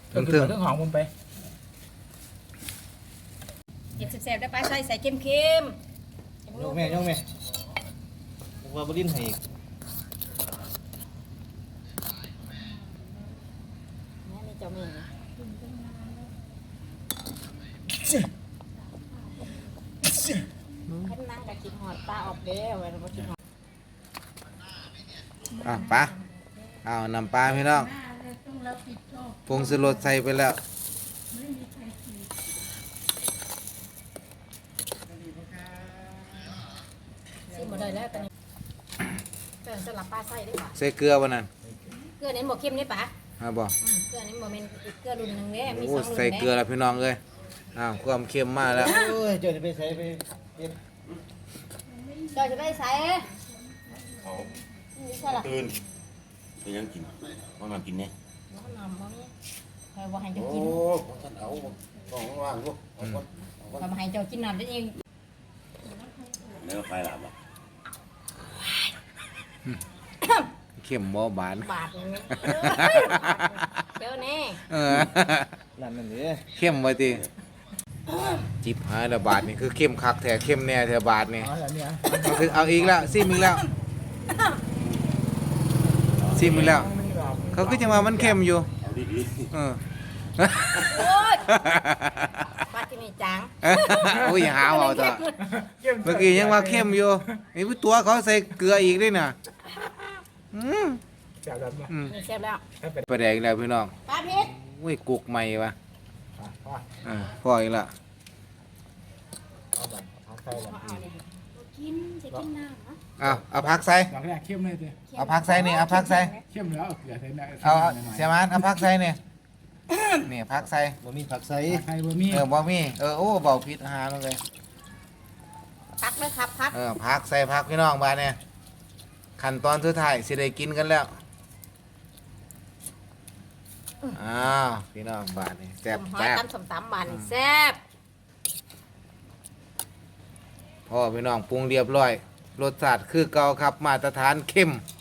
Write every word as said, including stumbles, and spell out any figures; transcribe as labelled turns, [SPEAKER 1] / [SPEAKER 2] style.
[SPEAKER 1] เรื่องเรื่องของผมไป
[SPEAKER 2] เก็บแซ่บๆได้ปลาใส่ใส่เค็มเค็ม
[SPEAKER 3] โยกแม่โยกแม่ผมว่าบริ้นให้อีก
[SPEAKER 2] นี่นี่เจ้าแม่นะขันนั่งกับกินหอดปลาออกเด้อเวลากินหอด
[SPEAKER 4] อ่ะปลาเอานำปลาพี่น้องปรุงสรสใส่ไปแล้ว
[SPEAKER 2] ซิมาได้แล้วตอนนี้เกินสลับปลาใส่ได้ป่ะ
[SPEAKER 4] ใส่เกลือบ่นั่น
[SPEAKER 2] เกลือนี้บ่เค็มนี่ป่ะ
[SPEAKER 4] ฮะบ่
[SPEAKER 2] เกลือนี้บ่เป็นอีกเกลือรุ่นหนึ่งเด้มี
[SPEAKER 4] โอ้
[SPEAKER 2] สองรุ่น
[SPEAKER 4] ใส่เกลือแล้วพี่น้องเอ้ยอ้าวความเค็มมาแล้ว
[SPEAKER 3] โอ้ยเจ้าจะไปใส่ไปเฮ็ด
[SPEAKER 2] เจ้าจะไปใส่
[SPEAKER 5] เขา
[SPEAKER 2] นี่ใช่ล่ะ
[SPEAKER 5] ตื่นไปยังกินว่ามากินเนี่ย
[SPEAKER 2] น้ำน้ำบ่มีใครบ่ให้
[SPEAKER 5] โอ้
[SPEAKER 2] เจ้ากิน
[SPEAKER 5] พอท่านเอาต้องว่างลูกเอาก่อนเอาก่อน
[SPEAKER 2] ทำให้เจ้ากินน้ำได้เอง
[SPEAKER 5] แล้วใครหลับอ่ะ
[SPEAKER 4] เค็มบ่บาน
[SPEAKER 2] บาดอย่างนี้เจ้าแน่
[SPEAKER 4] เออ
[SPEAKER 3] นั่นนั่นนี่
[SPEAKER 4] เข้มไว้ติจิบหายละบาทนี่คือเข้มคักแท้เข้มแน่แท้บาทนี่
[SPEAKER 1] อ๋อแล้วเนี่ย
[SPEAKER 4] เอาคือเอาอีกแล้วซิมอีกแล้วซิมอีกแล้ว เขาก็จะมามันเข้มอยู่
[SPEAKER 5] เอาดี
[SPEAKER 4] เออ
[SPEAKER 2] โอ๊ยปลาที่มีจาง
[SPEAKER 4] โอ้ยหาเอาต่อเมื่อกี้ยังว่าเข้มอยู่นี่ตัวเขาใส่เกลืออีกด้วยน่ะอืม
[SPEAKER 1] จับแบบนี้
[SPEAKER 4] อืม
[SPEAKER 2] นี่เสร็จแล้ว
[SPEAKER 4] ปลาแดกแล้วพี่น้อง
[SPEAKER 2] ปลาเผ็ด
[SPEAKER 4] โอ้ยกุกใหม่วะ
[SPEAKER 1] พ่อ
[SPEAKER 4] อ่าพออีกละ
[SPEAKER 1] เอาแบบเอาใส่แบบ
[SPEAKER 2] เอาเนี่ยกินจะกินน้ำนะ
[SPEAKER 4] เอาเอาพักใส่
[SPEAKER 1] ดอกแรกเข้มเลยเด้อ
[SPEAKER 4] เอาพักใส่นี่เอาพักใส่
[SPEAKER 1] เข้มแล้วเอาเกลือใส่ได้
[SPEAKER 4] เอาเสียมันเอาพักใส่เนี่ยนี่พักใส่
[SPEAKER 3] บ่มีผักใส่
[SPEAKER 1] ใครบ่มี
[SPEAKER 4] เออบ่มีเออโอ้เบาผิดอาหารเลย
[SPEAKER 2] พักเลยครับพัก
[SPEAKER 4] เออพักใส่พักพี่น้องบาดเนี่ยขั้นตอนสุดท้ายสิได้กินกันแล้วอ้าวพี่น้องบาดนี่แซ่บ
[SPEAKER 2] หอย
[SPEAKER 4] แซ่บ
[SPEAKER 2] ตำสมตำบานนี่แซ่บ
[SPEAKER 4] พ่อพี่น้องปรุงเรียบร้อยรสชาติคือเก่าครับมาตรฐานเข้ม
[SPEAKER 2] อ